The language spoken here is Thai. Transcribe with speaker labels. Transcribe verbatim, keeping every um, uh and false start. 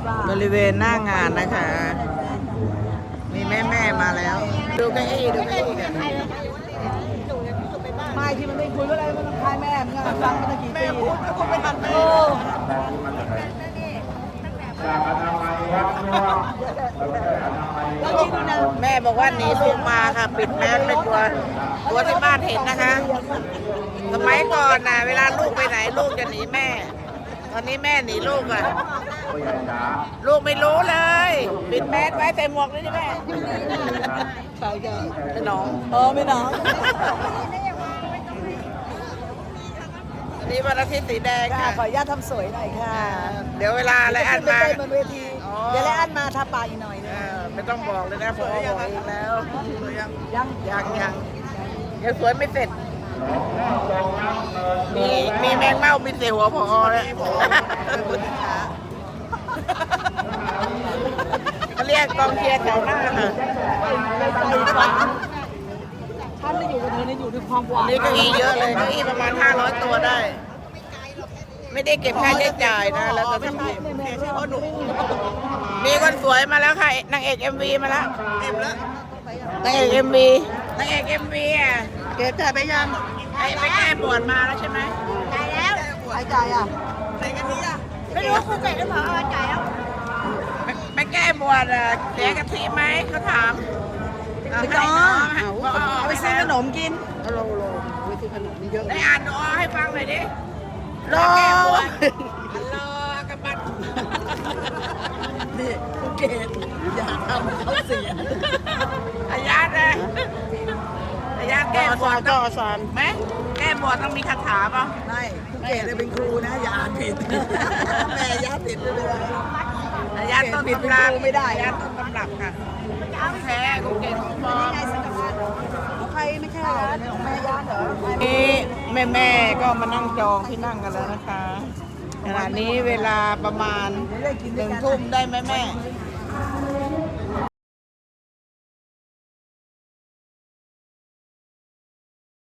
Speaker 1: บริเวณหน้างานนะคะ มีแม่แม่มาแล้ว ดูเก้าอี้ดูเก้าอี้กัน
Speaker 2: ไม่ที่มันไม่คุยว่าอะไรมันต้องคายแม่มึงอะฟังมาตั้งกี่ปีแม่พูดก็ไม่ทันแม่แล้วคิดดูนะ
Speaker 1: แม่บอกว่าหนีลูกมาค่ะ ปิดแมสไม่กลัวกลัวที่บ้านเห็นนะคะ สมัยก่อนนะเวลาลูกไปไหนลูกจะหนีแม่ ตอนนี้แม่หนีลูกอ่ะ ลูกไม่รู้เลย ปิดแมสไว้ใส่หมวกเลยดิแม่
Speaker 2: ใช่จ้ะ
Speaker 1: เป็นน้อง
Speaker 2: เออไม่น้อง
Speaker 1: อันนี้วันอาทิตย์สีแดง
Speaker 2: ค่ะ
Speaker 1: ค่ะ
Speaker 2: ขออนุญาตทำสวยหน่อยค่ะ
Speaker 1: เดี๋ยวเวลาอะไรอันมา
Speaker 2: ไปเต้นบนเวที
Speaker 1: อ๋อ
Speaker 2: เดี๋ยวแล้วอันมาทาปากอีกหน่อยนึ
Speaker 1: เอง อไม่ต้องบอกเลยนะผมบอกเองแล้ว
Speaker 2: ยัง
Speaker 1: ยังยังยังสวยไม่เสร็จ มีมีแมงเม่ามีเสียหัวพอแล้วเขาเรียกกองเชียร์แถวหน้าค่ะ
Speaker 2: ใจฟังท่านได้อยู่กับเธอเนี่ยอยู่ด้วยความหวาน
Speaker 1: นี่เก้าอี้เยอะเลยเก้าอี้ประมาณห้าร้อยตัวได้ ไม่ได้เก็บค่าใช้จ่ายนะ แล้วก็ทำทีมมีคนสวยมาแล้วค่ะนางเอกเอ็มวีมาแล้วเอ็มแล้วนางเอกเอ็มวีนางเอกเอ็มวีอ่ะ
Speaker 2: เกศแต่ไปยัง
Speaker 1: ไอ้ไปแก้บวชมาแล้วใช่ไหม
Speaker 2: จ่ายแล้วใครจ่ายอ่ะ
Speaker 1: ไหนกันนี่อ่ะ
Speaker 2: ไม่รู้ครูเกศหรือเปล่าจ่ายแล้ว
Speaker 1: ไปไปแก้บวชอ่ะเสียกะทิไหมเขาถาม
Speaker 2: ไม่ต้อง
Speaker 1: บอกเอา
Speaker 2: เอา
Speaker 1: ไป
Speaker 2: ไป
Speaker 1: ซื้
Speaker 2: ซื้
Speaker 1: อ
Speaker 2: อ
Speaker 1: ข
Speaker 2: ข
Speaker 1: น
Speaker 2: น
Speaker 1: ม
Speaker 2: มกิน
Speaker 1: โลโล
Speaker 2: ไปซื้อขนมนี่เยอะ
Speaker 1: ได้อ่านดูอ้อให้ฟังหน่อยดิ
Speaker 2: รอ
Speaker 1: แก้บวชฮัลโหลกระบัด
Speaker 2: นี่ครูเกศอย่าทำเขาเสีย
Speaker 1: อาญาตเลยอาญาตแก้บวชก็สอนไหมแก้บวชต้องมีคาถาเปล่า
Speaker 2: ไม่ครูเกศเลยเป็นครูนะอย่าอ่านผิดแม่ย่าผิดเลย
Speaker 1: อาญาตต้นตำรับไม่ได้อาญาตต้นตำรับค่ะของแท้ของเก่งของปลอม
Speaker 2: ใครไม่ใช่เหรอของแม่ย่าเหรอ
Speaker 1: นี่แม่แม่ๆก็มานั่งจองที่นั่งกันแล้วนะคะขณะนี้เวลาประมาณหนึ่งทุ่มได้ไหมแม่